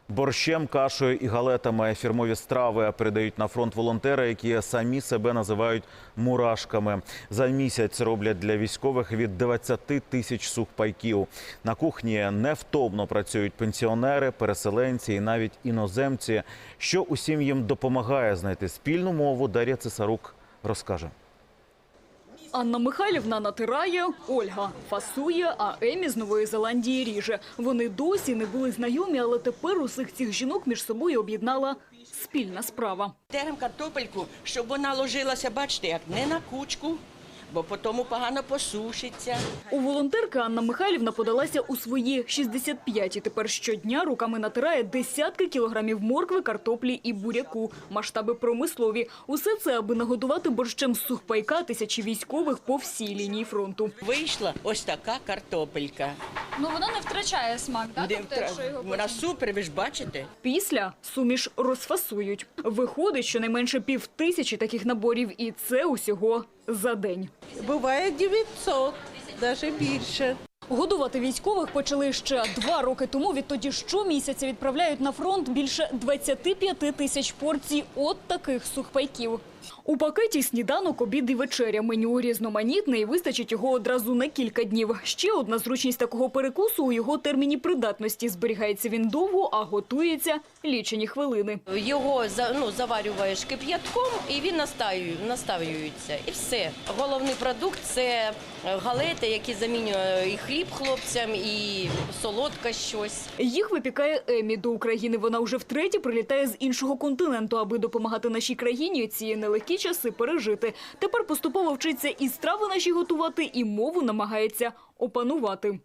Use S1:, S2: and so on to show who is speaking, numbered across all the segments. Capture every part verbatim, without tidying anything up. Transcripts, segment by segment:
S1: Борщем, кашею і галетами фірмові страви передають на фронт волонтери, які самі себе називають мурашками. За місяць роблять для військових від двадцяти тисяч сухпайків. На кухні невтомно працюють пенсіонери, переселенці і навіть іноземці. Що усім їм допомагає знайти спільну мову, Дар'я Цесарук розкаже.
S2: Анна Михайлівна натирає, Ольга фасує, а Емі з Нової Зеландії ріже. Вони досі не були знайомі, але тепер усіх цих жінок між собою об'єднала спільна справа.
S3: Терем картопельку, щоб вона ложилася, бачите, як не на кучку, бо потім погано посушиться.
S2: У волонтерки Анна Михайлівна подалася у свої шістдесят п'ять і тепер щодня руками натирає десятки кілограмів моркви, картоплі і буряку. Масштаби промислові. Усе це, аби нагодувати борщем з сухпайка тисячі військових по всій лінії фронту.
S3: Вийшла ось така картопелька.
S4: Ну, вона не втрачає смак, так?
S3: Не
S4: Тобто,
S3: втра-
S4: якщо його
S3: Вона супер, ви ж бачите.
S2: Після суміш розфасують. Виходить, щонайменше пів тисячі таких наборів, і це усього за день.
S5: Буває дев'ятсот, навіть більше.
S2: Годувати військових почали ще два роки тому. Відтоді щомісяця відправляють на фронт більше двадцяти п'яти тисяч порцій от таких сухпайків. У пакеті сніданок, обід і вечеря. Меню різноманітне і вистачить його одразу на кілька днів. Ще одна зручність такого перекусу – у його терміні придатності. Зберігається він довго, а готується лічені хвилини.
S6: Його за- ну, заварюєш кип'ятком і він настаю- наставлюється. І все. Головний продукт – це галети, які замінюють і хліб хлопцям, і солодке щось.
S2: Їх випікає Емі. До України вона вже втретє прилітає з іншого континенту, аби допомагати нашій країні ці нелегкі часи пережити. Тепер поступово вчиться і страви наші готувати, і мову намагається опанувати.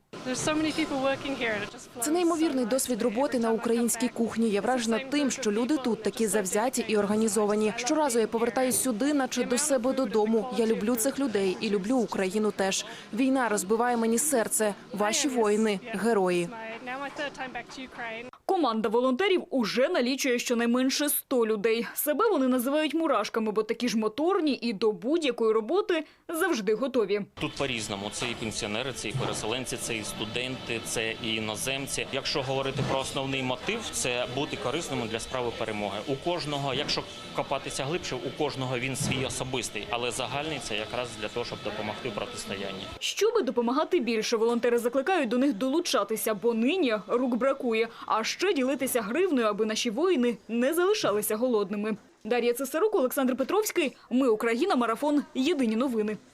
S7: Це неймовірний досвід роботи на українській кухні. Я вражена тим, що люди тут такі завзяті і організовані. Щоразу я повертаюсь сюди, наче до себе додому. Я люблю цих людей і люблю Україну теж. Війна розбиває мені серце. Ваші воїни – герої.
S2: Команда волонтерів уже налічує щонайменше сто людей. Себе вони називають мурашками, бо такі ж моторні і до будь-якої роботи завжди готові.
S8: Тут по-різному. Це і пенсіонери, це і переселенці, це і студенти, це і іноземці. Якщо говорити про основний мотив, це бути корисним для справи перемоги. У кожного, якщо копатися глибше, у кожного він свій особистий, але загальний це якраз для того, щоб допомогти в протистоянні.
S2: Щоби допомагати більше, волонтери закликають до них долучатися, бо нині рук бракує. А ще ділитися гривнею, аби наші воїни не залишалися голодними. Дар'я Цесарук, Олександр Петровський. Ми Україна. Марафон. Єдині новини.